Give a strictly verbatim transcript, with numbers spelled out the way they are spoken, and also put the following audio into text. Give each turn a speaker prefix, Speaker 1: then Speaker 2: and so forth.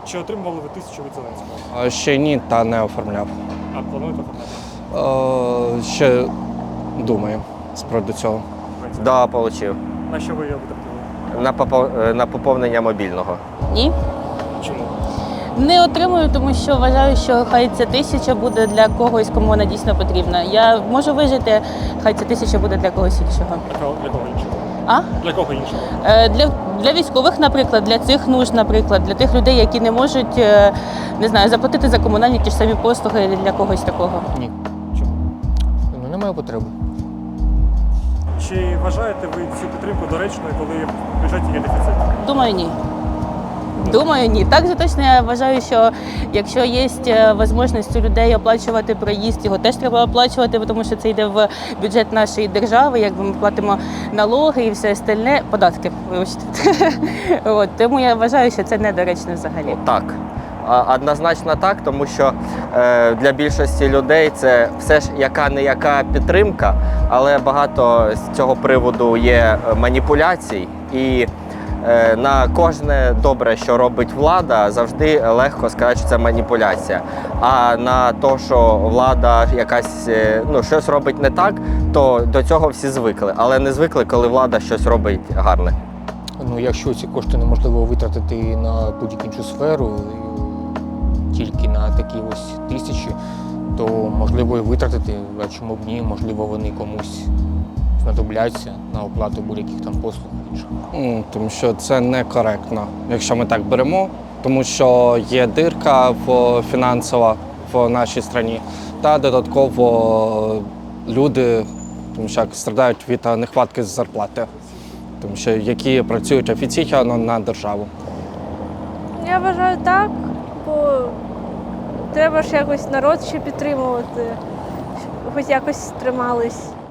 Speaker 1: Чи отримували ви тисячу від Зеленського?
Speaker 2: А, Ще ні, та не оформляв.
Speaker 1: А плануєте оформляти?
Speaker 2: Е, Ще думаю з приводу цього.
Speaker 3: Да, отримав.
Speaker 1: На що ви його витратили?
Speaker 3: На, попо- на поповнення мобільного.
Speaker 4: Ні.
Speaker 1: Чому?
Speaker 4: Не отримую, тому що вважаю, що хай ця тисяча буде для когось, кому вона дійсно потрібна. Я можу вижити, хай ця тисяча буде для когось іншого.
Speaker 1: Для кого, для кого іншого?
Speaker 4: А?
Speaker 1: Для кого іншого?
Speaker 4: Е, Для, для військових, наприклад, для цих нужд, наприклад, для тих людей, які не можуть, е, не знаю, заплатити за комунальні ті ж самі послуги для когось такого.
Speaker 5: Ні.
Speaker 1: Чому?
Speaker 5: Ну, немає потреби.
Speaker 1: Чи вважаєте ви цю підтримку доречною, коли в бюджеті є дефіцит?
Speaker 4: Думаю, ні. Думаю, ні. Так же точно я вважаю, що якщо є можливість у людей оплачувати проїзд, його теж треба оплачувати, тому що це йде в бюджет нашої держави, якби ми платимо налоги і все остальне, податки, вибачте. От, тому я вважаю, що це недоречно взагалі.
Speaker 3: Так. А, Однозначно так, тому що е, для більшості людей це все ж яка-не-яка підтримка, але багато з цього приводу є маніпуляцій. І е, на кожне добре, що робить влада, завжди легко сказати, що це маніпуляція. А на те, що влада якась е, ну, щось робить не так, то до цього всі звикли. Але не звикли, коли влада щось робить гарне.
Speaker 5: Ну, якщо ці кошти неможливо витратити на будь-яку іншу сферу, тільки на такі ось тисячі, то можливо і витратити, а чому б ні, можливо вони комусь знадобляться на оплату будь-яких там послуг інших.
Speaker 2: М, Тому що це некоректно, якщо ми так беремо, тому що є дирка в фінансова в нашій країні, та додатково люди, тому що як страдають від нехватки зарплати, тому що які працюють офіційно на державу.
Speaker 6: Я вважаю так, бо треба ж якось народ ще підтримувати, щоб хоч якось тримались.